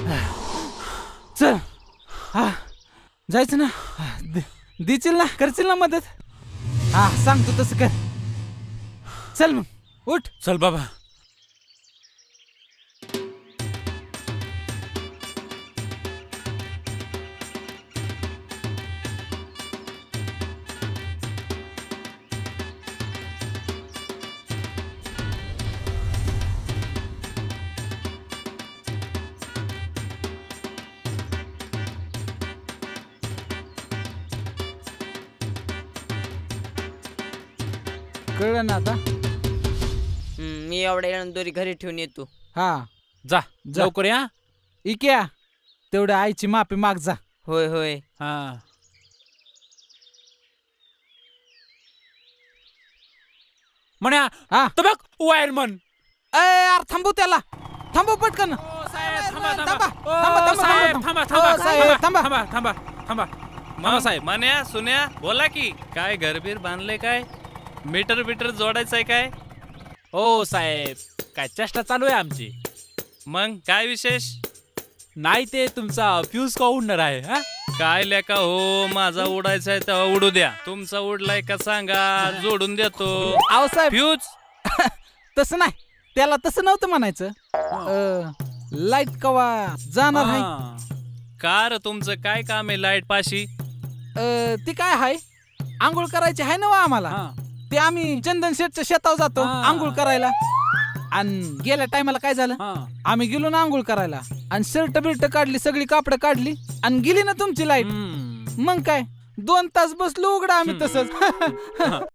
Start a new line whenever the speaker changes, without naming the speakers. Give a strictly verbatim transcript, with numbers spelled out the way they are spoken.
चल हा जायचं ना. देशील ना, करशील ना मदत? हा सांगतो तसं कर. चल मग उठ.
चल बाबा.
कळलं ना आता?
हम्म, मी एवढ्या येऊन दोरी घरी ठेवून येतो.
हा
जा
जा.
लवकर या.
इक्या तेवढ्या आईची माफी माग जा.
होय होय.
हा म्हण्या.
हा
तर बघ वायरमन.
ए यार थांबू त्याला, थांबू पटकन.
थांबा
थांबा,
थांबा
थांबा,
ओ, साहेब,
थांबा,
थांबा
थांबा.
थांबा
ओ, साहेब, थांबा.
थांबा थांबा थांबा थांबा साहेब.
मान्या सुन्या बोला की काय घरबीर बांधले काय? मीटर बिटर जोडायचंय काय?
ओ साहेब, काय चेष्टा चालू आहे आमची.
मग काय विशेष?
नाही ते तुमचा फ्यूज का उडणार आहे. हा
काय लेका हो, माझा उडायचा आहे तेव्हा उडू द्या. तुमचा उडलाय का सांगा, जोडून देतो.
आहो साहेब
फ्यूज
तसं नाही, त्याला तसं नव्हतं म्हणायचं. लाईट कवा जाणार आहे.
हा.
कार तुमचं काय काम आहे लाईट पाशी?
अ, ती काय आहे, आंघोळ करायची आहे ना वा आम्हाला.
हा.
ते आम्ही चंदन शेठच्या शेतावर जातो
हा.
आंघोळ करायला. आणि गेल्या टायमाला काय झालं,
हा.
आम्ही गेलो ना आंघोळ करायला आणि शर्ट बिर्ट काढली, सगळी कापडं काढली आणि गेली ना तुमची लाईट.
हम्म.
मग काय दोन तास बसलो उघडा आम्ही तसंच.